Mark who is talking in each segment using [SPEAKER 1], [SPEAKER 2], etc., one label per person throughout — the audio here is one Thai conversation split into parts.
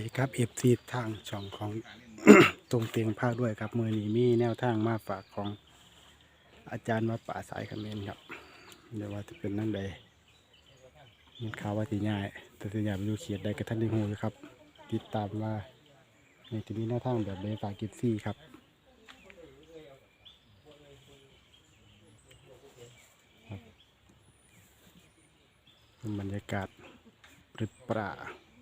[SPEAKER 1] ดีครับเอฟซีทางช่องของ ตรงเตียงภาคด้วยครับมือนี้มีแนวทางมาฝากของอาจารย์วัดป่าสายคำเมนครับเดี๋ยวว่าจะเป็นนั่งใดมีข่าวว่าที่ง่ายแต่ที่อยากไปดูเขียดใดกับท่านได้หูอยู่ครับติดตามว่าในที่มีแนวทางแบบใดฝากกิฟซี่ครับบรรยากาศปรึดปรา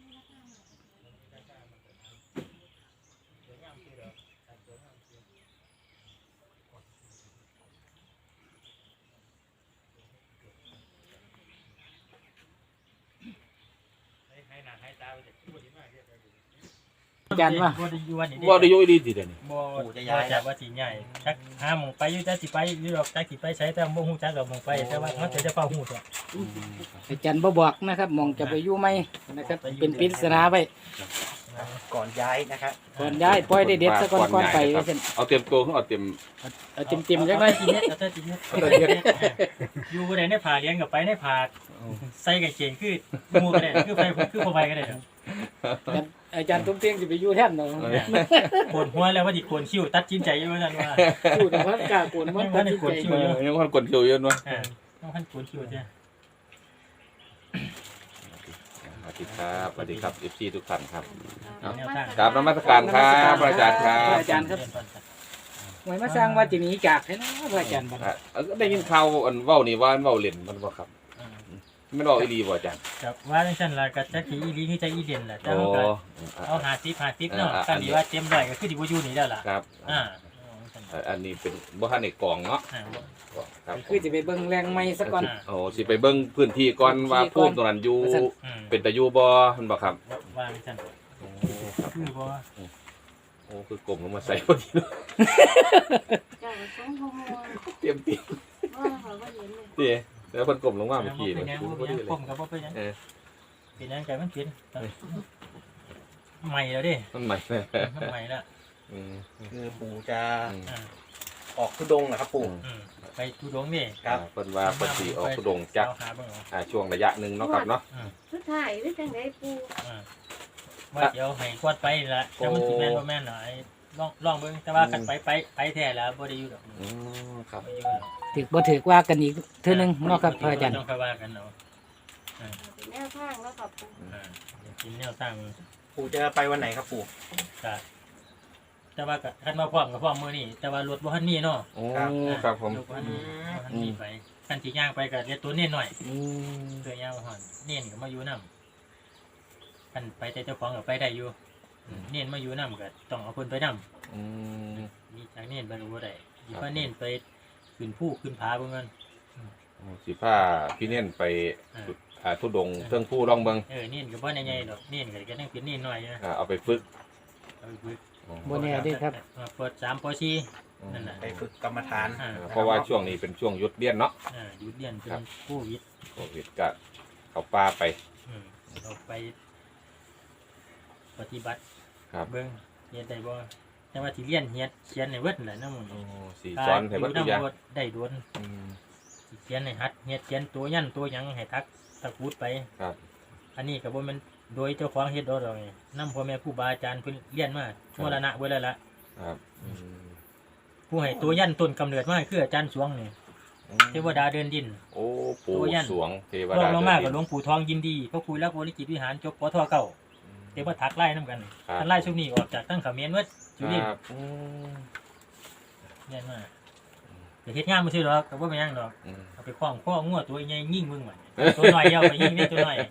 [SPEAKER 1] อาจารย์ว่า
[SPEAKER 2] บ่ได้อยู่วันนี้
[SPEAKER 3] ว่าได้ยกดีสิเดี๋ยวนี้
[SPEAKER 2] บ่จะย้ายจากว่าสิใหญ่จักหาหมองไปอยู่จักสิไปอยู่ดอกจักสิไปใช้แต่บ่ฮู้จักดอกหมองไปแต่ว่าเขาจะเฝ้าฮู้ตัว
[SPEAKER 4] อาจารย์บ่บอกนะครับมองจะไปอยู่ไหมนะครับเป็นปริศนาไป
[SPEAKER 5] ก่อนย้ายนะครับ
[SPEAKER 4] ก่อนย้ายปล่อยได้เด็ดซะก่อนก่อนไปว่าซั่น
[SPEAKER 3] เอาเต็มตัวเขาเอาเต็ม
[SPEAKER 4] เอาเต็มๆจักหน่อย
[SPEAKER 2] กินเน็ตเอาแต่กินเน็ตอยู่บ่ได้ในผ่าเลี้ยงกับไปในผ่าใส่กางเกงคือหมู่ก็ได้คือไปคือบ่ไปก็ได้
[SPEAKER 4] อาจารย์ตุ้มเตียงสิไปอยู่แทนเนาะ
[SPEAKER 2] ปวดหัวแล้วว่าสิโกนคิ้วตัดสินใจอยู่ว่าซั่นว่า
[SPEAKER 4] พูดแต่ว่ากล้าโกนมันตัดสินใจ
[SPEAKER 3] ยังคนกดคิวเยอะเนาะ
[SPEAKER 2] ต้องคันโกนคิ้วจ้ะ
[SPEAKER 3] สวัสดีครับสวัสดีครับFCทุกท่านครับ
[SPEAKER 2] แนวทาง
[SPEAKER 3] กราบนมัสการครับอาจารย์ครับ
[SPEAKER 4] อาจารย์ครับหวยมาสร้างว่าจะหนีจากให้เนาะพระอาจารย์บัด
[SPEAKER 3] ได้ยินข่าวอันเว้านี่ว่าเว้าเล่นมันบ่ครับมันเว้าอีหลีบ่อาจารย์
[SPEAKER 2] ครับว่าจังซั่นล่ะก็จักสิอีหลีคือจักอีเด่นล่ะแต่
[SPEAKER 3] โอ้
[SPEAKER 2] เฮาก็เอา50เนาะคันนี้ว่าเต็มร้อยก็คือสิบ่อยู่นี่แล้วล่ะ
[SPEAKER 3] ครับ อันนี้เป็นบ่ทันได้กองเนาะครับ
[SPEAKER 4] คือจะไปเบิ่งแรงไม้ซะก่อน
[SPEAKER 3] โอ้สิไปเบิ่งพื้นที่ก่อนว่าภูมิตรงนั้นอยู่เป็นตะอยู่บ่มันบ่ครับ
[SPEAKER 2] วางจัง คือบ่
[SPEAKER 3] โอ้คือกลมลงมาใส่พอดีเนาะ
[SPEAKER 6] เจ้าก็สงขโมย
[SPEAKER 3] เตรียม
[SPEAKER 6] ว่าเขาว่าเห็นเลย
[SPEAKER 3] ติแล้วเพิ่นกลมลงมาเมื่อกี้
[SPEAKER 2] เป็น
[SPEAKER 3] เนาะ
[SPEAKER 2] ยัง
[SPEAKER 3] พอดีเลย
[SPEAKER 2] ผมก็บ่เป็นยัง
[SPEAKER 3] เออ
[SPEAKER 2] เป็นยังไงมันเป็นใหม่แล้วดิ
[SPEAKER 3] มันใหม่เลย
[SPEAKER 2] ใหม่แล้ว
[SPEAKER 3] อืม
[SPEAKER 5] คือปู่จะ
[SPEAKER 2] อ่า
[SPEAKER 5] ออกทุดงค์นะครับปู่
[SPEAKER 2] ไปทุดงนี่
[SPEAKER 5] ครับ
[SPEAKER 3] เพิ่นว่าเพิ่นสิออกทุดงค์จัก
[SPEAKER 2] หาเบิ่งเอา
[SPEAKER 3] ช่วงระยะหนึงเนาะครับเนาะ
[SPEAKER 6] สุดท้ายหรือจังไดปู
[SPEAKER 2] ว่าเดี๋ยวให้กวาดไปละแต่มันสิแม่นบ่แม่นหน่อยลองเบิ่งแต่ว่าคันไปแท้แล้วบ่ได้อยู่ดอก
[SPEAKER 3] อืมครับ
[SPEAKER 2] บ่อยู่ดอก
[SPEAKER 4] ถึกบ่ถึกว่ากันอีกเทื่อนึงเนาะครับพระอาจารย์
[SPEAKER 2] ต้องค่อยว่ากันเอา
[SPEAKER 6] เป็นแนวทางแล้วกับปู
[SPEAKER 2] กินแนวตั้ง
[SPEAKER 5] ปู่จะไปวันไหนครับปู่
[SPEAKER 2] ก็แต่ว่าก็คันมาพร้อมกับพร้อมมื้อนี้แต่ว่ารถบ่ทันมีเนาะ
[SPEAKER 3] โอ้ครับผม
[SPEAKER 2] รถบ่ทันมีบ่ทันมีไปคันสิย่างไปก็เรียกตัวเน้นหน่อย
[SPEAKER 4] อืม
[SPEAKER 2] เสื้อยาวหอนเน้นก็มาอยู่นํกันไปแต่เจ้าของก็ไปได้อยู่เน้นมาอยู่นํก็ต้องเอาคนไปนํ
[SPEAKER 3] อืม
[SPEAKER 2] มีจากเน้นไปรู้บ่ได้สิพาเน้นไปขึ้นภูขึ้นผาเบิ่งกัน
[SPEAKER 3] โอ้สิพาพี่เน่นไปทุดงค์เทิงผู้ลองเบิ่ง
[SPEAKER 2] เน้นก็บ่ใหญ่ๆดอกเน้นก็ยังเป็นเน้นน้อยอยู่นะ
[SPEAKER 3] เอาไปฝึก
[SPEAKER 2] เอาไปฝึก
[SPEAKER 4] บ่แน่เด้ครับ
[SPEAKER 2] เปิด3ป4นั่นน่ะ
[SPEAKER 5] ไปฝึกกรรมฐาน
[SPEAKER 3] เพราะว่าช่วงนี้เป็นช่วงหยุดเรียนเนาะ
[SPEAKER 2] หยุดเรียนเป็นโควิด
[SPEAKER 3] โควิดก็เข้าป่าไป
[SPEAKER 2] เราไปปฏิบัติ
[SPEAKER 3] ครับ
[SPEAKER 2] เบิ่งเฮ็ดได้บ่แต่ว่าสิเรียนเฮ็ดเขียนให้เบิดนั่นแหละนำมื้อ
[SPEAKER 3] โอ้
[SPEAKER 2] นี้
[SPEAKER 3] สีสอนให้เบิดทุกอย่าง
[SPEAKER 2] ได้โดน
[SPEAKER 3] อืม
[SPEAKER 2] สิเขียนให้หัดเฮ็ดเขียนตัวยันตัวหยังให้ทักตะกูดไป
[SPEAKER 3] ครับ
[SPEAKER 2] อันนี้ก็บ่แม่นโดยเจ้าของเฮ็ดดอกดอกนี่นำพ่อแม่ครูบาอาจารย์เพิ่นเรียนมาชั่วระนะเบิดแล้วล่ะ
[SPEAKER 3] ครับ
[SPEAKER 2] ผู้ให้ตัวยันต้นกำเนิดมาคืออาจารย์สวงนี่เทวดาเดินดิน
[SPEAKER 3] โอ้ปู่
[SPEAKER 2] ตัวยัน
[SPEAKER 3] สวงเทว
[SPEAKER 2] รอ
[SPEAKER 3] ดาง
[SPEAKER 2] ลงมา
[SPEAKER 3] เดิ
[SPEAKER 2] กับ
[SPEAKER 3] น
[SPEAKER 2] หล
[SPEAKER 3] ดิน
[SPEAKER 2] วงปู่ทองยินดีพระครูรักบริจิตรวิหารจบปทเก้าเดี๋ยวมาถักไล่นํกัน
[SPEAKER 3] ครับ
[SPEAKER 2] ท่านไล่ช่วงนี้ออกจากตั้งเขมิ้นเมื่อจุลิน
[SPEAKER 3] ครับอืม
[SPEAKER 2] เรียนมาจะเฮ็ดงานบ่ซื่อดอกก็บ่เป็นหยังดอก
[SPEAKER 3] อืม
[SPEAKER 2] เอาไปคล้องข้องัวตัวใหญ่ยิงมึงมันตัวน้อยเอาไปยิงนี่ตัวน้อย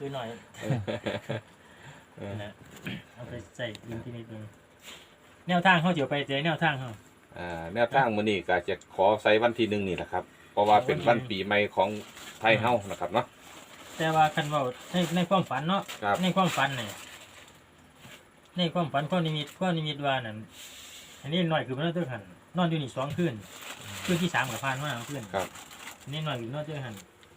[SPEAKER 2] นะเอาไปใส่ยิงที่นี่นึงแนวทางเฮาสิเอาไปเจอแนวทางเฮา
[SPEAKER 3] แนวทางมื้อนี้ก็จะขอใส่วันที่1นี่แหละครับ เพราะว่าเป็นวันปีใหม่ของไทยเฮานะครับเนาะ
[SPEAKER 2] แต่ว่าคันเว้าในความฝันเนาะ
[SPEAKER 3] ครับ
[SPEAKER 2] ในความฝันนี่ในความฝันความนิมิตว่านั่นอันนี้น้อยคือมันนอนหันนอนอยู่นี่2คืนคืนที่3ก็ผ่านมาคืน
[SPEAKER 3] ครับ
[SPEAKER 2] อันนี้น้อยคือนอนหัน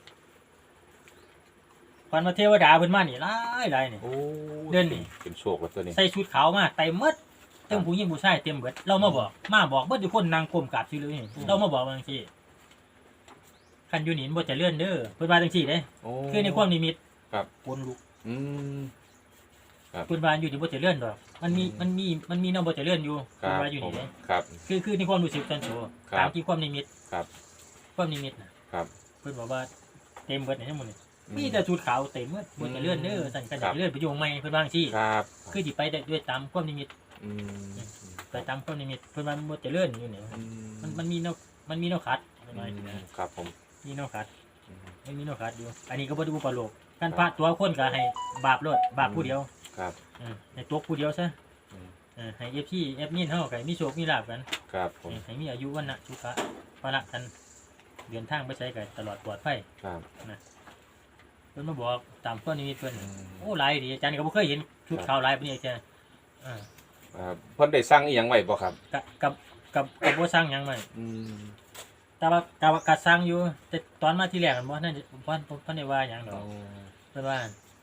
[SPEAKER 2] ฝันว่าเทวดาเพิ่นมานี่หลายนี่
[SPEAKER 3] โอ้
[SPEAKER 2] เดือนนี่
[SPEAKER 3] เป็นโชคแล้วตัวนี้
[SPEAKER 2] ใส่ชุดขาวมาเต็มหมดเต็มผู้หญิงผู้ชายเต็มเบิดเรามาบอกเบิดทุกคนนางก้มกราบซื่อเลยเรามาบอกว่าจังซี่คันอยู่นี่บ่เจะเลื่อนเด้อเพิ่นว่าจังซี่เด้
[SPEAKER 3] โอ้
[SPEAKER 2] คือในความนิมิต
[SPEAKER 3] ครับ
[SPEAKER 2] คนลุก
[SPEAKER 3] อืมครับ
[SPEAKER 2] เพิ่นว่าอยู่ที่บ่เจริญดอกมันมีแนวบ่เจริญอยู่
[SPEAKER 3] ครั
[SPEAKER 2] เพิ่น
[SPEAKER 3] บ
[SPEAKER 2] ว่าอยู่
[SPEAKER 3] ผ
[SPEAKER 2] นี่
[SPEAKER 3] ม
[SPEAKER 2] เด้
[SPEAKER 3] ครับ
[SPEAKER 2] คือในความรู้สึกส่วนตัว
[SPEAKER 3] ครับ
[SPEAKER 2] ตามที่ความนิมิต
[SPEAKER 3] ครับ
[SPEAKER 2] ความนิมิตน่ะ
[SPEAKER 3] ครับ
[SPEAKER 2] เพิ่นบอกว่าเต็มเบิดในทั้งหมดนี่มีแต่ชุดขาวเต็มหมดบ่เจริญเด้อสั่นกัน
[SPEAKER 3] ครับ
[SPEAKER 2] เจริญไปอยู่ใหม่เพิ่นว่าจังซี่
[SPEAKER 3] ครับ
[SPEAKER 2] คือสิไปได้ด้วยตามความนิมิต
[SPEAKER 3] อืม
[SPEAKER 2] ไปตามความนิมิตเพิ่นว่าบ่เจริญอยู่นี่มันมีแนวขัดเพิ่นว่าอย่างนี้นะครับ
[SPEAKER 3] ผม
[SPEAKER 2] มีแนวขัดมันมีแนวขัดอยู่อันนี้ก็บ่ได้อุปโลกการพระตัวคนก็ให้บาปโลดบาปผู้เดียว
[SPEAKER 3] ครับ
[SPEAKER 2] ให้ตกผู้เดียวซะ
[SPEAKER 3] อืม
[SPEAKER 2] ให้เอฟพี่เอฟมินเฮาก็ให้มีโชคมีลาภกัน
[SPEAKER 3] ครับผม
[SPEAKER 2] ให้มีอายุวันนะสุขะพละกันเดินทางไปใช้กันตลอดปลอดภัย
[SPEAKER 3] ครับ
[SPEAKER 2] เพิ่นมาบอกตามข้อนิมิตเพิ่น
[SPEAKER 3] อืม
[SPEAKER 2] โอ้หลายดีอาจารย์ก็บ่เคยเห็นชุดขาวหลายปานนี้อาจารย์อ่า
[SPEAKER 3] เพิ่นได้สร้างอีหยังไว้บ่ครับ
[SPEAKER 2] กับบ่สร้างหยังไว้
[SPEAKER 3] อืม
[SPEAKER 2] แต่ว่าก็สร้างอยู่แต่ตอนมาที่แรกมันบ่นั่นบ่ได้ว่าหยังดอกเพิ่นว่า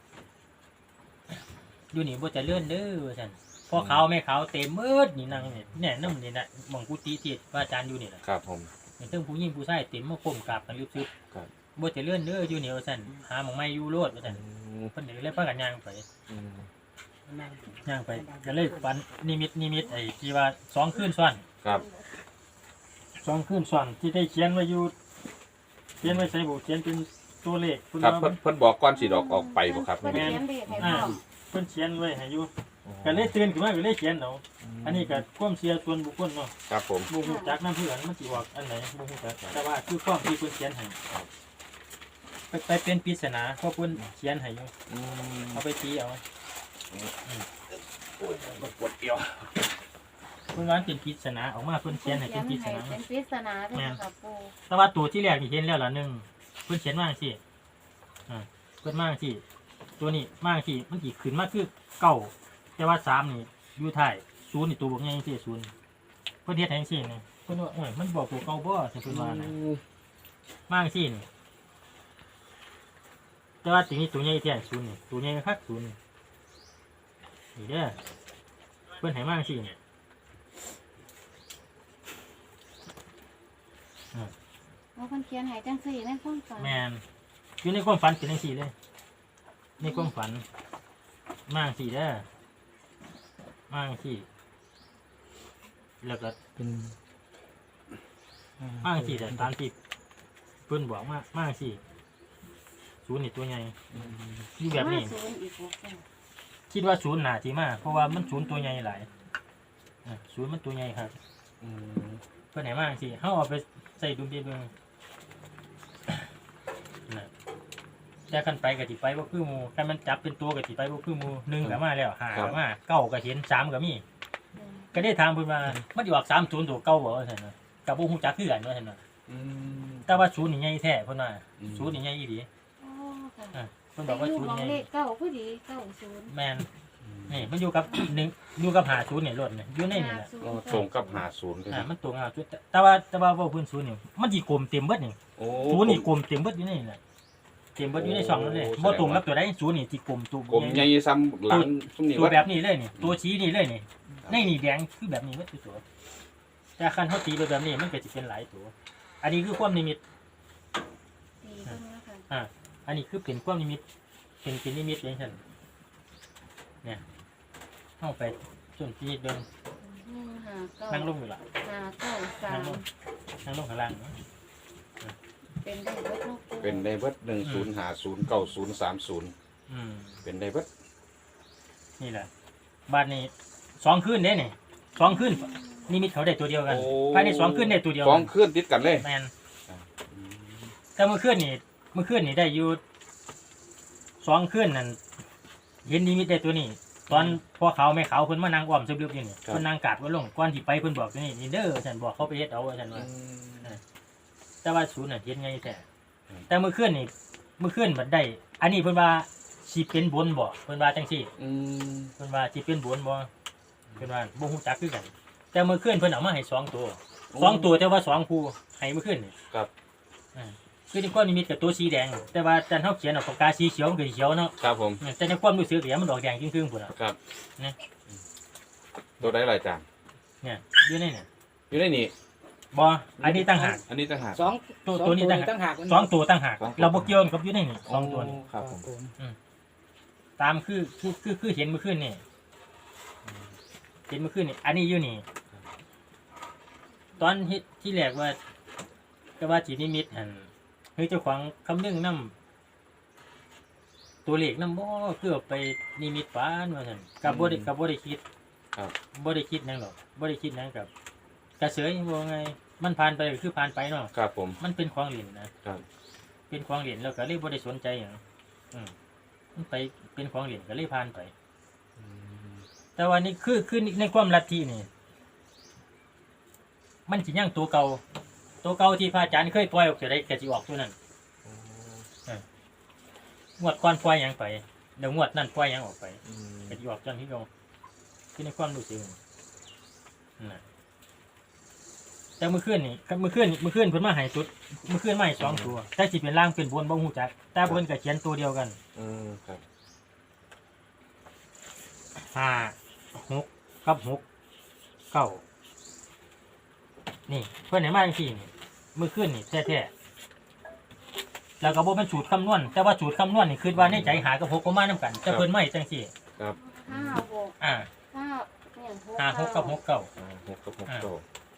[SPEAKER 2] อยู่นี่บ่เจริญเด้อว่าซั่นพ่อขาวแม่ขาวเต็มหมืดนี่นั่งนี่แน่นำนี่น่ะหม่องกุฏิที่ว่าอาจารย์อยู่นี่ล่ะ
[SPEAKER 3] ครับผม
[SPEAKER 2] เห็นทั้งผู้หญิงผู้ชายเต็มมาก้มกราบกันลึก
[SPEAKER 3] ครับ
[SPEAKER 2] ๆบ่เจริญเด้ออยู่นี่ว่าซั่นหาหม่องใหม่อยู่โลดว่าซั่นเพิ่นเลยพากันย่างไป
[SPEAKER 3] อืม
[SPEAKER 2] ย่างไปก็เลยฝันนิมิตไอ้ที่ว่า2คืนซ้อน
[SPEAKER 3] ครับ
[SPEAKER 2] 2คืนซ้อนที่ได้เขียนไว้อยู่เขียนไว้ใส่บุเขียนเป็นตัวเลขเพิ่น
[SPEAKER 3] ครับ
[SPEAKER 2] ว่า
[SPEAKER 3] เพิ่นบอกก่อนสิออกไปบ่ครับ
[SPEAKER 6] เพิ่น
[SPEAKER 3] แม่
[SPEAKER 6] เขียนเด็กให้พ่อ
[SPEAKER 2] เพิ่นเขียนไว้ให้อยู่ก็เลยตื่นขึ้นมาก็เลยเขียนเอาอันนี้ก็ความเชื่อส่วนบุคคลเนาะ
[SPEAKER 3] ครับผม
[SPEAKER 2] บ่ฮู้จักนำเพื่อนมันสิบอกอันไหนบ่ฮู้จักแต่ว่าคือความที่เพิ่นเขียนให้ไปเป็นปริศนาเพราะเพิ่นเขียนให้อยู่
[SPEAKER 3] อืม
[SPEAKER 2] เอาไปตีเอา
[SPEAKER 3] โอ้ยมันปวดเอว
[SPEAKER 2] เพิ่นว่าเป็นปริศนาออกมาเพิ่นเขียนให้เป็นปริศนา
[SPEAKER 6] เป็นปริศนาเด้อค่ะปู
[SPEAKER 2] แต่ว่าตัวที่แรกนี่เห็นแล้วล่ะหนึงเพิ่นเขียนมาจังซี่เพิ่นมาจังซี่ตัวนี้มาจังซี่มันสิขึ้นมาคือเก้าแต่ว่า3นี่อยู่ท้าย0นี่ตัวบ่ใหญ่จังซี่0เพิ่นเฮ็ดให้จังซี่นี่เพิ่นว่าโอ้ยมันบอกตัวเก่าบ่สิเพิ่นว่านะมาจังซี่นี่แต่ว่าตัวนี้ตัวใหญ่แท้0นี่ตัวใหญ่คัก0นี่นี่เด้อเพิ่นให้มาจังซี่นี่
[SPEAKER 6] ว่าเพิ่นเขียนให้จังซี่ในความฝัน
[SPEAKER 2] แมนอยู่ในความฝันเป็นจังซี่เลยในความฝันมากสี่เด้อมากสี่แล้วก็
[SPEAKER 4] เป็น
[SPEAKER 2] มากสี่แต่ตามที่เพิ่นบอกมากสี่ศูนย์นี่ตัวใหญ่อยู่แบบนี้
[SPEAKER 6] ศูนย์อีกบ่ค่ะ
[SPEAKER 2] คิดว่าศูนย์หนาที่มากเพราะว่ามันศูนย์ตัวใหญ่หลายศูนย์มันตัวใหญ่ครับ
[SPEAKER 3] อืม
[SPEAKER 2] เพิ่นไหนมากสี่เขาเอาไปใส่ดุมเดียวเบิ่งน่ะแต่กันไปกับที่ไปบ่คือหมู่คันมันจับเป็นตัวกับที่ไปบ่คือหมู่หนึ่งก็มาแล้วห้าก็มาเก้าก็เห็น3ก็มี ก็ได้ถามเพิ่นว่ามันสิออก30ตัวเก่าบ่ว่าซั่นน่ะก็บ่ฮู้จักคือกันว่าซั่นน่ะ
[SPEAKER 3] อืม
[SPEAKER 2] แต่ว่าศูนย์นี่ใหญ่แท้เพิ่นว่า
[SPEAKER 3] อืม
[SPEAKER 2] ศูนย์นี่ใหญ่อีหลี
[SPEAKER 6] อ๋อค่ะ
[SPEAKER 2] เพิ่นบอกว่า
[SPEAKER 6] อยู่
[SPEAKER 2] ศูน
[SPEAKER 6] ข
[SPEAKER 2] ย์
[SPEAKER 6] อง
[SPEAKER 2] ใหญ่
[SPEAKER 6] เลขเก้าพอดี90
[SPEAKER 2] แม่นนี่มันอยู่กับอยู่กับ50นี่รถนี่อยู่ในนี่แหละ
[SPEAKER 3] ก็ตรงกับ50ด้วย
[SPEAKER 2] มันตรงกับจุดแต่ว่าเว้าเพิ่นศูนย์นี่มันสิกลมเต็มเบิดนี่
[SPEAKER 3] โอ้
[SPEAKER 2] ศูนย์นี่กลมเต็มเบิดอยู่ในนี่แหละเต็มเบิดอยู่ในช่องนั่นเลยบ่ตรงกับตัวใดศูนย์นี่สิกลมตัว
[SPEAKER 3] กลมใหญ่ซ้ำหลังซุ่มนี่
[SPEAKER 2] ตัว
[SPEAKER 3] ว่า
[SPEAKER 2] แบบนี้เลยนี่ตัวชี้นี่เลยนี่ในนี่แดงคือแบบนี้เบิดคือตัวแต่คันเฮาตีไปแบบนี้มันก็สิเป็นหลายตัวอันนี้คือความนิมิต
[SPEAKER 6] ตีเพิ่นว่าค่ะ
[SPEAKER 2] อันนี้คือเป็นความนิมิต เป็นนิมิตเองฉันเนี่ยเข้าไปจนที่เดิน
[SPEAKER 6] 159
[SPEAKER 2] นั่งลงอยู่ละ นั่งลง
[SPEAKER 6] 593
[SPEAKER 2] นั่งลงข้างล่างเนาะ
[SPEAKER 6] เป็นได้เบิดเนาะปู
[SPEAKER 3] เป็นได้เบิด10509030
[SPEAKER 2] อืม
[SPEAKER 3] เป็นได้เบิด
[SPEAKER 2] นี่แหละบ้านนี้2คืนเด้นี่2คืนนิมิตเขาได้ตัวเดียวกัน
[SPEAKER 3] โอ้
[SPEAKER 2] ภายใน2คืนได้ตัวเดียว
[SPEAKER 3] ส
[SPEAKER 2] กั
[SPEAKER 3] องคืนติดกันเลย
[SPEAKER 2] แมนแต่เมื่อคืนนี่ได้อยู่2คืนนั่นเห็นนิมิตได้ตัวนี้ ตอนพ่อเขาแม่เขาเพิ่นมานั่งอ้อมซึบๆอยู่นี่
[SPEAKER 3] ครับ
[SPEAKER 2] เพิ่นนั่งกาดว่าลงก่อนที่ไปเพิ่นบอกอยู่นี่เด้อฉันบอกเขาไปเฮ็ดเอาฉันว่า แต่ว่าศูนย์น่ะเฮ็ดไงแต่
[SPEAKER 3] อืม
[SPEAKER 2] แต่เมื่อคืนบัดได้ อันนี้เพิ่นว่าสิเป็นบนบ่เพิ่นว่าจังซี่
[SPEAKER 3] อืม
[SPEAKER 2] เพิ่นว่าสิเป็นบนบ่เพิ่นว่าบ่ฮู้จักคือกัน แต่เมื่อคืนเพิ่นเอามาให้2ตัว2ตัวแต่ว่า2คู่ให้เมื่อคืนนี่
[SPEAKER 3] ครับ
[SPEAKER 2] คือในความนิมิตกับตัวสีแดง แต่ว่าจันเฮาเขียนออกปากกาสีเขียวมันก็สีเขียวเนาะ
[SPEAKER 3] ครับผม
[SPEAKER 2] แต่ในความรู้สึกเนี่ยมันดอกแดงครึ่งๆพุ่นน่ะ
[SPEAKER 3] ครับ
[SPEAKER 2] นะ
[SPEAKER 3] ตัวได้หลายจาน
[SPEAKER 2] เนี่ยอยู่ในเนี่ย
[SPEAKER 3] อยู่ในนี่
[SPEAKER 2] บ่อันนี้ตั้งหาก
[SPEAKER 3] อันนี้ต่างหาก
[SPEAKER 4] สอง
[SPEAKER 2] ตัวนี้ต่างหาก
[SPEAKER 4] ต่างหาก
[SPEAKER 2] 2ตัวตั้งหาก
[SPEAKER 3] สองตัว
[SPEAKER 2] เราบ่เกี่ยวกับอยู่ในนี่2ตัวนี่
[SPEAKER 3] ครับผม
[SPEAKER 2] อืมตามคือเห็นเมื่อคืนนี่เห็นเมื่อคืนนี่อันนี้อยู่นี่ตอนเฮ็ดที่แรกว่าก็ว่าจีนิมิตหันเฮ้ยเจ้าของคำนึงนำตัวเลขนำบ่คือเอาไปนิมิตฝันว่าซั่นกับบ่ได้คิด
[SPEAKER 3] ครับ
[SPEAKER 2] บ่ได้คิดหยังหรอกบ่ได้คิดหยังกับกระเสยว่าไงมันผ่านไปก็คือผ่านไปเนาะ
[SPEAKER 3] ครับผม
[SPEAKER 2] มันเป็นของเล่นนะครับ เป็นของเล่นแล้วก็เลยบ่ได้สนใจหยังมันไปเป็นของเล่นก็เลยผ่านไป แต่ว่านี่คือในความลัทธินี่ มันสิยังตัวเก่าที่พระอาจารย์เคยปล่อยออกจะได้ก็สิออกตัวนั้นงวดก่อนปล่อยหยังไปเดี๋ยวงวดนั้นปล่อยหยังออกไปก็สิออกจังที่เราคือในความรู้สึกนั่นน่ะแต่เมื่อคืนเพิ่นมาให้สุดเมื่อคืนมาให้2ตัวแต่สิเป็นล่างเป็นบนบ่ฮู้จักแต่เพิ่นก็เขียนตัวเดียวกัน
[SPEAKER 3] ครับ
[SPEAKER 2] 5 6กับ6 9นี่เพิ่นให้มาจังซี่นี่เมื่อคืนนี่แท้ๆแล้วก็บ่เป็นสูตรคำนวณแต่ว่าสูตรคำนวณนี่คิดว่าในใจหากับ6บ่มานํกันแต่เพิ่นมาให้จังซี่
[SPEAKER 3] ครับ
[SPEAKER 6] 5
[SPEAKER 2] อ่า
[SPEAKER 6] 6 5
[SPEAKER 2] 5 6กับ6 9
[SPEAKER 3] 6กับ6เก้า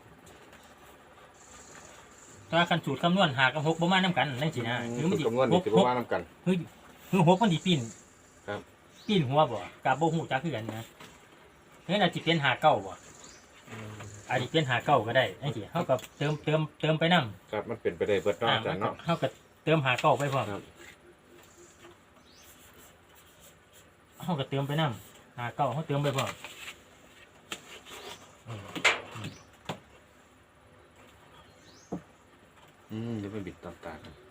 [SPEAKER 2] ถ้าคันสูตรคำนวณหากับ6บ่มานํกันจังซี่นะคือมันสิ
[SPEAKER 3] คำนวณนี่ถือว่ามานํกัน
[SPEAKER 2] คือ6มันสิปีน
[SPEAKER 3] ครับ
[SPEAKER 2] ปีนหัวบ่ก็บ่ฮู้จักคือกันนะเฮ้ยอาจสิเป็น5 9บ่อาจสิเป็น5 9ก็ได้จังซี่เฮาก็เติมไปนำ
[SPEAKER 3] ครับมันเป็นไปได้เบิดเนาะอาจารย์เนาะ
[SPEAKER 2] เฮาก็เติม5 9ไปพร้อม
[SPEAKER 3] ครับ
[SPEAKER 2] เฮาก็เติมไปนำ5 9เฮาเติมไปพร้อม
[SPEAKER 3] เดี๋ยวไปบิดต่างๆกัน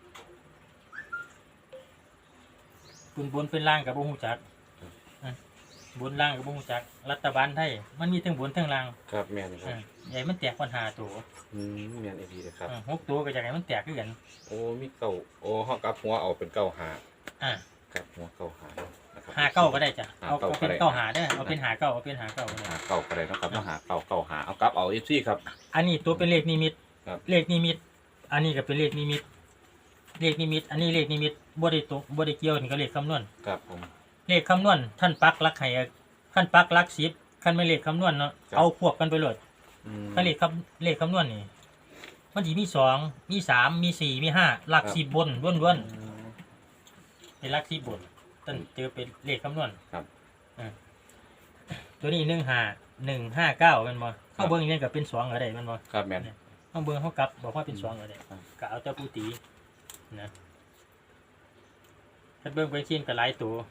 [SPEAKER 2] บนเป็นล่างก็บ่ฮู้จักบนล่างก็บ่ฮู้จักรัฐบาลไทยมันมีทั้งบนทั้งล่าง
[SPEAKER 3] ครับแม่นครับ
[SPEAKER 2] ใหญ่มันแตกปัญหาตัว
[SPEAKER 3] แม่นอีเลยครับ
[SPEAKER 2] 6ตัวก็อยากให้มันแตกคือกัน
[SPEAKER 3] โอ้มีเก้าโอ้ห้องกับหัวเอาเป็นเก้าหา
[SPEAKER 2] อ่า
[SPEAKER 3] ครับหัวเก้าหานะครับ
[SPEAKER 2] หาเก้าก็ได้จ้ะเอา
[SPEAKER 3] หาเก้าก็
[SPEAKER 2] เป็น
[SPEAKER 3] ได้
[SPEAKER 2] เก้าหาเด้อเอาเป็นหาเก้าก็ได้
[SPEAKER 3] หาเก้าก็ได้นะครับต้องหาเก้าเก้าหาเอากลับเอาFCครับ
[SPEAKER 2] อันนี้ตัวเป็นเลขนิมิต
[SPEAKER 3] ครับ
[SPEAKER 2] เลขนิมิต อันนี้ก็เป็นเลขนิมิต เลขนิมิต อันนี้เลขนิมิตบ่ได้ตรงบ่ได้เกี่ยวนี่ก็เลขคำนวณ
[SPEAKER 3] ครับผม
[SPEAKER 2] เลขคำนวณท่านปักหลักให้ท่านปักหลัก10คันไม่เลขคำนวณเนาะเอาควบกันไปเลยถ้าเลขคำนวณนี่มันสิมี2มี3มี4มี5หลัก10บนล้วนๆเป็นหลัก10บนท่านเจอเป็นเลขคำนวณ
[SPEAKER 3] ครับ
[SPEAKER 2] ตัวนี้15159แม่นบ่เฮาเบิ่งนี่ก็เป็น2ก็ได้แม่นบ่
[SPEAKER 3] ครับแม่น
[SPEAKER 2] เฮาเบิ่งเฮากลับบอกว่าเป็น2ก็ได้
[SPEAKER 3] ครับ
[SPEAKER 2] ก็เอาแต่ผู้ตีนะถ้าเบิ่งไปชิ้นก็หลายตัว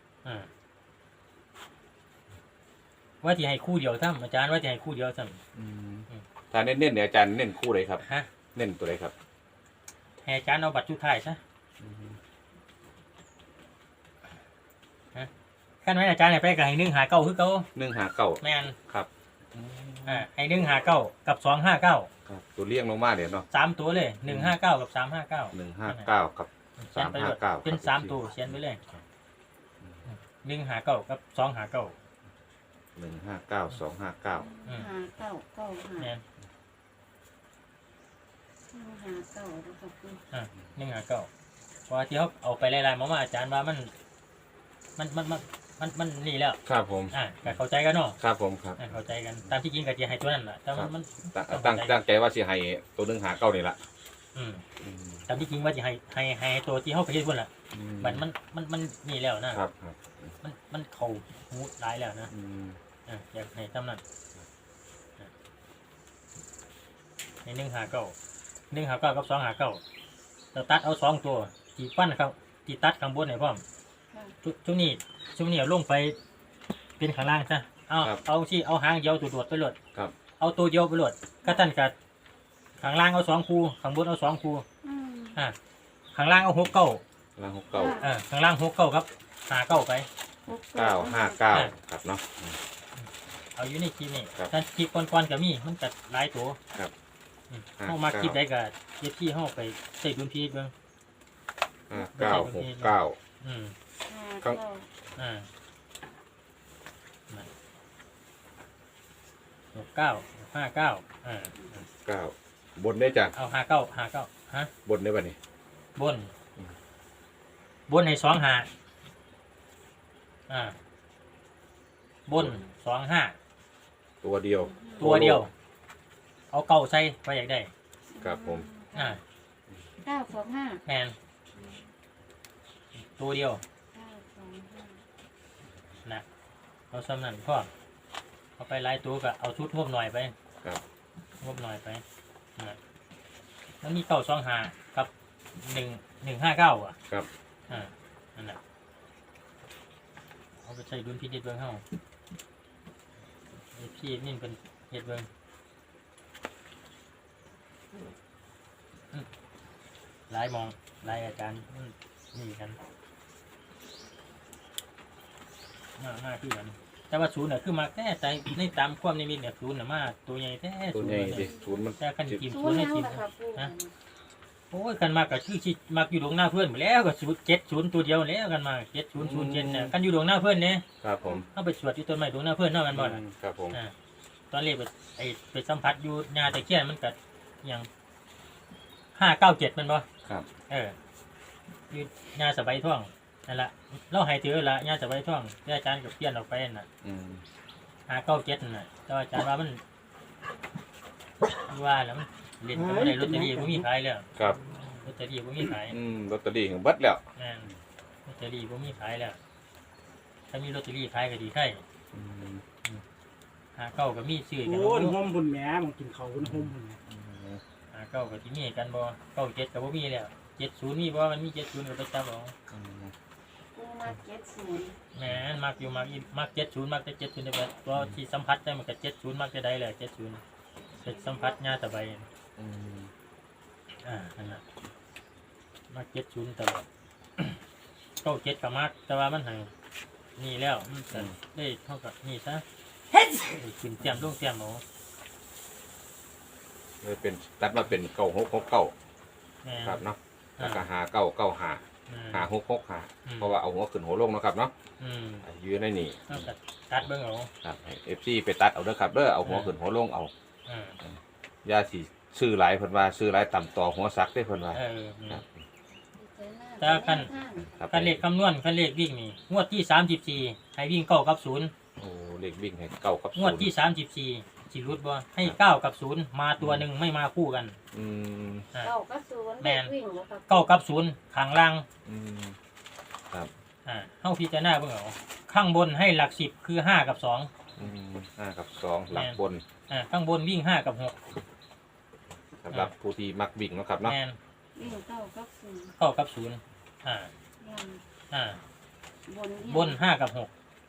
[SPEAKER 2] ว่าสิให้คู่เดียวซ้ำอาจารย์ว่าสิให้คู่เดียวซ้ำ
[SPEAKER 3] ถ้าเน้นๆเนี่ยอาจารย์เน้นคู่เลยครับ
[SPEAKER 2] ฮะ
[SPEAKER 3] เน้นตัวไหนครับ
[SPEAKER 2] ให้อาจารย์เอาบัตรชุดท้ายซะคันไว้อาจารย์ให้ไปก็ให้159คือเก่า
[SPEAKER 3] 159
[SPEAKER 2] แม่น
[SPEAKER 3] ครับ
[SPEAKER 2] ให้159กับ259
[SPEAKER 3] ครับตัวเลี้ยงลงมาเดี๋ยวเนาะ
[SPEAKER 2] 3ตัวเลย159กับ359
[SPEAKER 3] 159กับ359
[SPEAKER 2] เป็น3ตัวเขียนไปเลย159กับ259
[SPEAKER 3] 159 259
[SPEAKER 6] 5 9 9
[SPEAKER 2] แม่น
[SPEAKER 6] 5 5 9แล้วก็คือ
[SPEAKER 2] 159เพราะว่าที่เขาเอาไปไล่ๆมาอาจารย์ว่ามันนี่แล้ว
[SPEAKER 3] ครับผม
[SPEAKER 2] ก็เข้าใจกันเนาะ
[SPEAKER 3] ครับผมครับ
[SPEAKER 2] เข้าใจกันตามที่จริงก็จะให้ตัวนั้นแหละแต่มัน
[SPEAKER 3] ตั้งใจว่าสิให้ตัว159นี่ละ
[SPEAKER 2] ตามที่จริงว่าจะให้ตัวที่เขาไปเฮ็ดพุ่นล่ะมันนี่แล้วนะครับ มันเข้าหูหลายแล้วนะอยากให้ตามนั้นใน159กับ259เราตัดเอา2ตัวที่ปั้นครับที่ตัดข้างบนให้พร้อมช่วงนี้เอาลงไปเป็นข้างล่างซะเอาที่เอาหางเดียวตัวโดดไปโหลด
[SPEAKER 3] ครับ
[SPEAKER 2] เอาตัวเดียวไปโหลดก็ท่านกับข้างล่างเอา2คู่ข้างบนเอา2คู่ข้างล่างเอา6 9
[SPEAKER 3] แล้ว69
[SPEAKER 2] ข้างล่าง6 9ครับ5 9ไป
[SPEAKER 3] 959ครับเนาะ
[SPEAKER 2] เอาอยู่ในคลิปนี่
[SPEAKER 3] ครับ
[SPEAKER 2] ท่านคลิปก่อนๆก็มีมันก็หลายตัว
[SPEAKER 3] ครับ
[SPEAKER 2] เฮามาคลิปใดก็เฮ็ดที่เฮาไปใส่ดุลพินิจเบิ่ง
[SPEAKER 3] 5969
[SPEAKER 2] อืม
[SPEAKER 6] 5
[SPEAKER 3] ครับ
[SPEAKER 6] 9
[SPEAKER 2] 69
[SPEAKER 3] 9บนได้จ้ะ
[SPEAKER 2] เอา59ฮะ
[SPEAKER 3] บนได้ป่ะนี่
[SPEAKER 2] บนให้2 5 บน25
[SPEAKER 3] ตัวเดียว
[SPEAKER 2] ตัวเดียว เอาเก่าใส่ไปอยากได้
[SPEAKER 3] ครับผม
[SPEAKER 6] 925
[SPEAKER 2] แมนตัวเดียว
[SPEAKER 6] 925
[SPEAKER 2] นะเอาซ้ำนั่นพ่อเอาไปหลายตัวก็เอาชุดงบหน่อยไป
[SPEAKER 3] ครับ
[SPEAKER 2] งบหน่อยไปนะแล้วมี925กับ1159อ่ะ
[SPEAKER 3] ครับ
[SPEAKER 2] นั่นแหละเอาไปใช้ดุลพินิจเบิ่งเฮาพี่นี่เป็นเฮ็ดเบิ่งหลายมองหลายอาจารย์นี่กันหน้าที่กันแต่ว่าศูนย์เนี่ยคือมาแค่ใจในตามความนิมิตเนี่ยศูนย์เนี่ยมาตัวใหญ่แท้
[SPEAKER 3] ตัว
[SPEAKER 2] ศูนย์
[SPEAKER 3] ใหญ่
[SPEAKER 2] เนี่ย
[SPEAKER 3] ดิศูนย์มัน
[SPEAKER 2] แต่คันทีม
[SPEAKER 6] ศู
[SPEAKER 2] ศู
[SPEAKER 6] น
[SPEAKER 2] น
[SPEAKER 6] ย์
[SPEAKER 2] ย์ให้
[SPEAKER 6] ยัง
[SPEAKER 2] ทีม
[SPEAKER 6] ล่ะครับปู่
[SPEAKER 2] โอ้ยกันมากก็คือชิมักอยู่ดวงหน้าเพื่อนไปแล้วก็70ตัวเดียวแล้วกันมา7007เนี่ยกันอยู่ดวงหน้าเพื่อนเนี่ย
[SPEAKER 3] ครับผม
[SPEAKER 2] เข้าไปสวดอยู่ต้นไม้ดวงหน้าเพื่อนเท่ากันบ่ล่ะ
[SPEAKER 3] ครับผม
[SPEAKER 2] ตอนแรกไปสัมผัสอยู่งาตะเคียนมันก็อย่าง597มันบ่
[SPEAKER 3] ครับ
[SPEAKER 2] อยู่งาสบายท่องนั่นแหละเราให้ถือละงาสบายท่องที่อาจารย์กับเพี้ยนออกไปน่ะ
[SPEAKER 3] อืม
[SPEAKER 2] 597นั่นน่ะแต่ว่าอาจารย์ว่ามันว่าแล้วมันเล่นก็บ่ได้ลอตเตอรี่บ่มีขายแล้ว
[SPEAKER 3] ครับ
[SPEAKER 2] ลอตเตอรี่บ่มีขาย
[SPEAKER 3] ลอตเตอรี่ของเบิดแล้ว
[SPEAKER 2] นั่นลอตเตอรี่บ่มีขายแล้วถ้ามีลอตเตอรี่ขายก็ดีใช่
[SPEAKER 3] อืม
[SPEAKER 2] 59ก็มีซื้อกัน
[SPEAKER 1] โอ้ย
[SPEAKER 2] บ่
[SPEAKER 1] ห่มบุญแหม่มึงกินเขาวบุญห่มบุญแหม
[SPEAKER 2] 59ก็สิมีกันบ่97ก็บ่มีแล้ว70มีบ่มันมี70ก็ไปจับเอา
[SPEAKER 6] ปู่มา70
[SPEAKER 2] แหม่นมักอยู่มัก70มักแต่70ได้แบบตัวที่สัมผัสได้มันก็70มักจะได้แหละ70เป็นสัมผัสญาตะไบนั่นน่ะมัก70ตลอด97ก็มักแต่ว่ามันให้นี่แล้วมันก็ได้เท่ากับนี่ซะขึ้นเตรียมลงเตรียมเอา
[SPEAKER 3] เลยเป็นตัดมาเป็น9669
[SPEAKER 2] แม่น
[SPEAKER 3] ครับเนาะแล้วก็5995 5665เพราะว่าเอาหัวขึ้นหัวลงเนาะครับเนาะยืนในนี่
[SPEAKER 2] เอาก็ตัดเบิ่งเอา
[SPEAKER 3] ครับให้ FC ไปตัดเอาเด้อครับเด้อเอาหัวขึ้นหัวลงเอา
[SPEAKER 2] อ่า
[SPEAKER 3] อย่าสิซื้อหลายเพิ่นว่าซื้อหลายต่ำต่อหัวซักได้เพิ่นว่า ครับ
[SPEAKER 2] แต่คัน
[SPEAKER 3] ครับ
[SPEAKER 2] คันเลขคำนวณคันเลขวิ่งนี่งวดที่34ให้วิ่ง9กับ0
[SPEAKER 3] โอ้เลขวิ่งให้เก้ากับ
[SPEAKER 2] งวดที่34สิรุดบ่ให้9กับ0มาตัวหนึ่งไม่มาคู่กัน
[SPEAKER 3] อืม
[SPEAKER 2] อ่า
[SPEAKER 6] 9กับ0
[SPEAKER 2] แม่น
[SPEAKER 6] วิ่งบ่ครับ
[SPEAKER 2] 9กับ0ข้างล่าง
[SPEAKER 3] อืมครับ
[SPEAKER 2] เฮาพิจารณาเบิ่งเอาข้างบนให้หลัก10คือ5กับ2
[SPEAKER 3] 5 กับ 2 หลักบน
[SPEAKER 2] ข้างบนวิ่ง5กับ6
[SPEAKER 3] สำหรับผู้ที่มักวิ่งเนาะครับเนาะ
[SPEAKER 2] แม่น
[SPEAKER 6] วิ่ง9กับ0
[SPEAKER 2] 9กับ0
[SPEAKER 6] ล่าง
[SPEAKER 2] บน5กับ6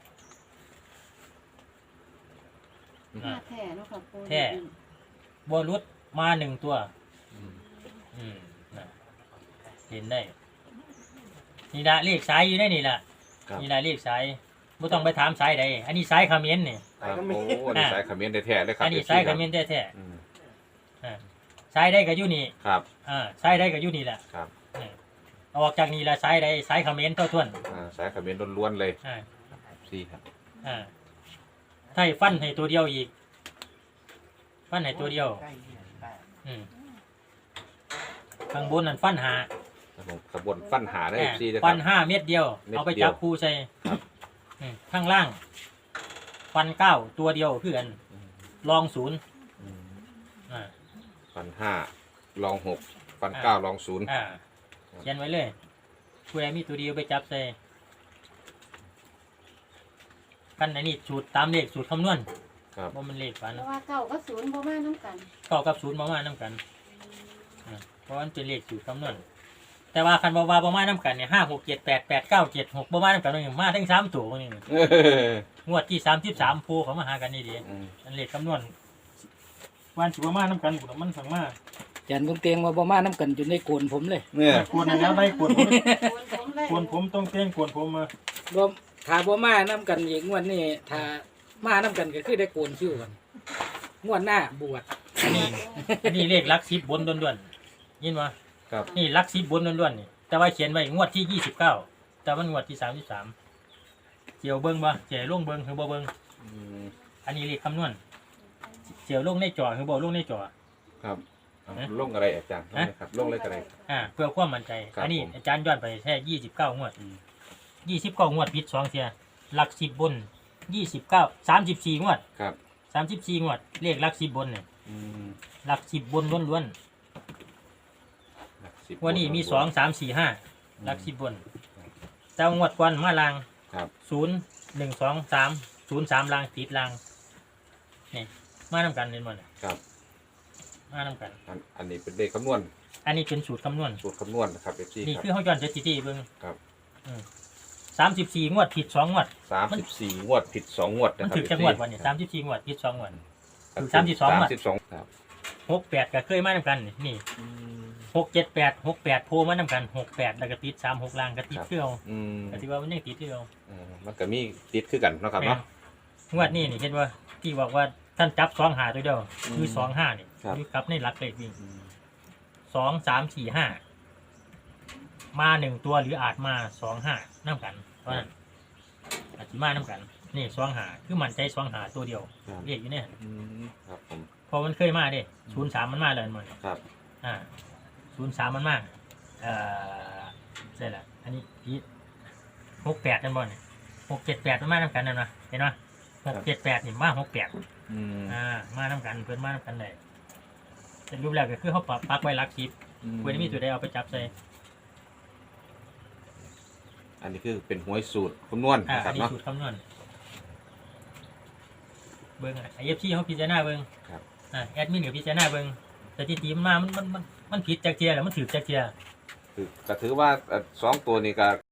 [SPEAKER 6] ห้าแท้เนาะครับปู่
[SPEAKER 2] แท้ บนรุดมา1ตัว น่ะเห็นได้นี่ละเลขสายอยู่ได้นี่ละ
[SPEAKER 3] ครับ
[SPEAKER 2] นี่ละเลขสายไม่ต้องไปถามสายใดอันนี้สายคาเขมนนี่
[SPEAKER 3] ครับโอ้อันนี้สายเขมิ้นแท้ๆเลยครับ
[SPEAKER 2] อันนี้สายคาเขมนแท้
[SPEAKER 3] อืม
[SPEAKER 2] ๆสายได้ก็อยู่นี่
[SPEAKER 3] ครับ
[SPEAKER 2] สายได้ก็อยู่นี่แหละ
[SPEAKER 3] ครับ
[SPEAKER 2] เอาออกจากนี่ละสายใดสายคาเขมนเท่าทวน
[SPEAKER 3] สายเขมิ้นล้วนๆเลย
[SPEAKER 2] อ่า
[SPEAKER 3] สี่ครับ
[SPEAKER 2] ถ้าให้ฟันให้ตัวเดียวอีก ฟันให้ตัวเดียวข้างบนนั่นฟันหา
[SPEAKER 3] ครับผมขบวนฟันหาได้สี่เลยค
[SPEAKER 2] ฟั
[SPEAKER 3] รั
[SPEAKER 2] น
[SPEAKER 3] บ
[SPEAKER 2] 5 เม็ดเดียว
[SPEAKER 3] เม็ดเดียว
[SPEAKER 2] เอาไปจับคู่ใส่ข้างล่าง ฟัน 9 ตัวเดียวคือกันลอง0
[SPEAKER 3] อืม
[SPEAKER 2] อ่า
[SPEAKER 3] ฟัน5ลอง6ฟัน9ลอง0
[SPEAKER 2] เขียนไว้เลยผู้ใดมีตัวเดียวไปจับใส่กันอันนี้สูตรตามเลขสูตรคำนวณ
[SPEAKER 3] ครับ
[SPEAKER 2] ว่ามันเลขฝัน
[SPEAKER 6] เพราะว่า9กับ0บ่มานํกัน
[SPEAKER 2] 9กับ0ประมาณน้ำกันเพราะมันเป็นเลขสูตรคำนวณแต่ว่าคันว่าประมาณน้ำกันเนี่ย5 6 7 8 8 9 7 6ประมาณน้ำกันนี่มาทั้ง3ตัวนี่งวดที่33โพเขามาหากันนี่ดี
[SPEAKER 3] อืม
[SPEAKER 2] อันเลขคำนวณวันสิประมาณน้ำกันบุมันสั่งมา
[SPEAKER 4] อาจารย์บุญเตียงว่าบ่มาน้ำกันจนได้โกนผมเลย
[SPEAKER 3] เนี่ย
[SPEAKER 2] กวนแล้วได้กวนผม
[SPEAKER 6] ผมเลย
[SPEAKER 2] กวนผมต้องเต้นกวนผมมา
[SPEAKER 4] บ่ถ้าบ่มาน้ำกันอีกงวดนี้ถ้ามาน้ำกันก็คือได้โกนคิ้วกันงวดหน้าบวช
[SPEAKER 2] อันนี้เลขลัก10บนด้วนๆยินวะ
[SPEAKER 3] ครับ
[SPEAKER 2] นี่ลัก10บนล้วนๆนี่แต่ว่าเขียนไว้งวดที่29แต่ว่างวดที่33เจียวเบิ้งบ่เจียวลงเบิ้งคือบ่เบิ้ง
[SPEAKER 3] อืม
[SPEAKER 2] อันนี้เลขคำนวณเจียวลงในจอคือบ่ลงในจอ
[SPEAKER 3] ครับเอาลงอะไรอาจารย์ลงเลยครับลงเลยอะไร
[SPEAKER 2] เพื่อความมั่นใจ
[SPEAKER 3] ครับ
[SPEAKER 2] อันนี้
[SPEAKER 3] ผม
[SPEAKER 2] อาจารย์ย้อนไปแค่29งวด29งวดผิด2เที่ยหลัก10บน29 34งวด
[SPEAKER 3] ครับ
[SPEAKER 2] 34งวดเลขหลัก10บนเนี่ย
[SPEAKER 3] อืม
[SPEAKER 2] หลัก10บนล้วน
[SPEAKER 3] หลักสิบ
[SPEAKER 2] ๆวันนี้มี2 3 4 5หลัก10บนแต่งวดก่อนมาลาง
[SPEAKER 3] ครับ
[SPEAKER 2] 0 1 2 3 0 3ลางติดลางนี่มานํกันเห็นบ่เนี่ย
[SPEAKER 3] ครับ
[SPEAKER 2] มานํกัน
[SPEAKER 3] อันนี้เป็นเลขคำนวณ
[SPEAKER 2] อันนี้เป็นสูตรคำนวณ
[SPEAKER 3] สูตรคำนวณนะครับเอฟซี
[SPEAKER 2] นี่
[SPEAKER 3] ครับ
[SPEAKER 2] คือเขาย้อนสถิติเบิ่ง
[SPEAKER 3] ครับ
[SPEAKER 2] 34งวดผิด2งวด
[SPEAKER 3] 34งวดผิด2งวด
[SPEAKER 2] มั
[SPEAKER 3] นะ
[SPEAKER 2] น
[SPEAKER 3] ครับ
[SPEAKER 2] ถึกจังหวัดวันนี้34งวดผิด2งวด ถูก32งวด
[SPEAKER 3] 32ครับ
[SPEAKER 2] 68ก็เคยมานํกันนี่678 68โผล่มานํกัน68แล้วก็ติด36ลางก็ติดคือเอา
[SPEAKER 3] อืม
[SPEAKER 2] ก็สิว่ามันยังติดคือเอา
[SPEAKER 3] มันก็มีติดคือกันเนาะครับเนาะ
[SPEAKER 2] งวดนี้นี่เห็นว่าที่บอกว่าท่านจับ2หาตัวเดียวคือ
[SPEAKER 3] อืม
[SPEAKER 2] 25นี่
[SPEAKER 3] ครับ
[SPEAKER 2] อยู่กับในหลักเลขวิ่ง
[SPEAKER 3] อืม
[SPEAKER 2] 2 3 4 5มา1ตัวหรืออาจมา2 5นํกันเพราะฉะนั้นอาจสิมานํกันนี่2หาคือมั่นใจ2หาตัวเดียว
[SPEAKER 3] ครับ
[SPEAKER 2] เรียกอยู่เนี่ย
[SPEAKER 3] อืมครับผม
[SPEAKER 2] เพอมันเคยมาเด้03มันมาเลยมัน
[SPEAKER 3] ครับ
[SPEAKER 2] 03มันมาใช่ละอันนี้พี่68กันบ่เนี่ย678มันมานํกันนั่นนะเห็นป่ะ678นี่มา68
[SPEAKER 3] อืม
[SPEAKER 2] มานํกันเพิ่นมานํกันได้แต่รูปแรกก็คือเขาปักไว้หลัก10เพิ่นมีตัวใดเอาไปจับใส่
[SPEAKER 3] อันนี้คือเป็นหวยสูตรคำนวณ
[SPEAKER 2] อั
[SPEAKER 3] นะครั
[SPEAKER 2] น
[SPEAKER 3] บ
[SPEAKER 2] นี้
[SPEAKER 3] เนาะ
[SPEAKER 2] สูตรคำนวณเบิ่งไอ้ FC เขาพิจารณาเบิ่ง
[SPEAKER 3] ครับ
[SPEAKER 2] แอดมินก็พิจารณาเบิ่งสถิติมันมามันผิดจักเที่ยแล้วมันถูกจักเที่ย
[SPEAKER 3] คือก็ถือว่า2ตัวนี้ก็